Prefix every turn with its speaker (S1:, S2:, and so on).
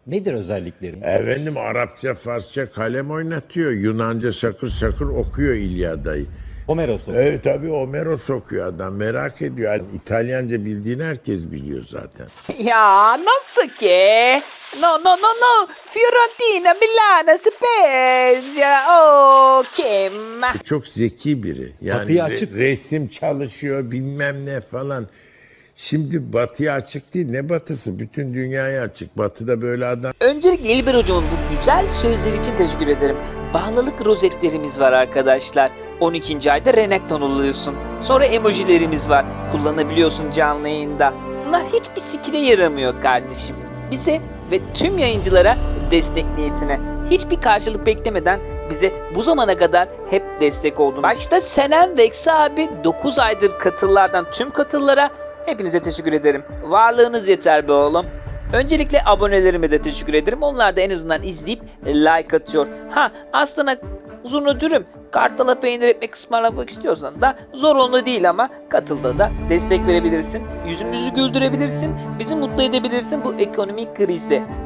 S1: Nedir özellikleri?
S2: Efendim Arapça, Farsça kalem oynatıyor. Yunanca şakır şakır okuyor İlyada'yı.
S1: Homeros okuyor.
S2: Evet tabii Homeros okuyor adam. Merak ediyor. Yani İtalyanca bildiğini herkes biliyor zaten.
S3: Ya nasıl ki? No. Fiorentina, Milano, Spezia. O kim?
S2: Çok zeki biri. Yani
S1: Batıya açık.
S2: resim çalışıyor bilmem ne falan. Şimdi batıya açık değil. Ne batısı? Bütün dünyaya açık. Batıda böyle adam.
S3: Öncelikle İlber hocamın bu güzel sözleri için teşekkür ederim. Bağlılık rozetlerimiz var arkadaşlar. 12. ayda Renekton oluyorsun. Sonra emojilerimiz var. Kullanabiliyorsun canlı yayında. Bunlar hiçbir sikine yaramıyor kardeşim. Bize ve tüm yayıncılara destek niyetine. Hiçbir karşılık beklemeden bize bu zamana kadar hep destek oldunuz. Başta Senem ve Eksi abi 9 aydır katıllardan tüm katıllara hepinize teşekkür ederim. Varlığınız yeter be oğlum. Öncelikle abonelerime de teşekkür ederim. Onlar da en azından izleyip like atıyor. Ha aslında uzun dürüm kartala peynir ekmek ısmarlamak istiyorsan da zorunlu değil ama katılda da destek verebilirsin. Yüzümüzü güldürebilirsin. Bizi mutlu edebilirsin bu ekonomik krizde.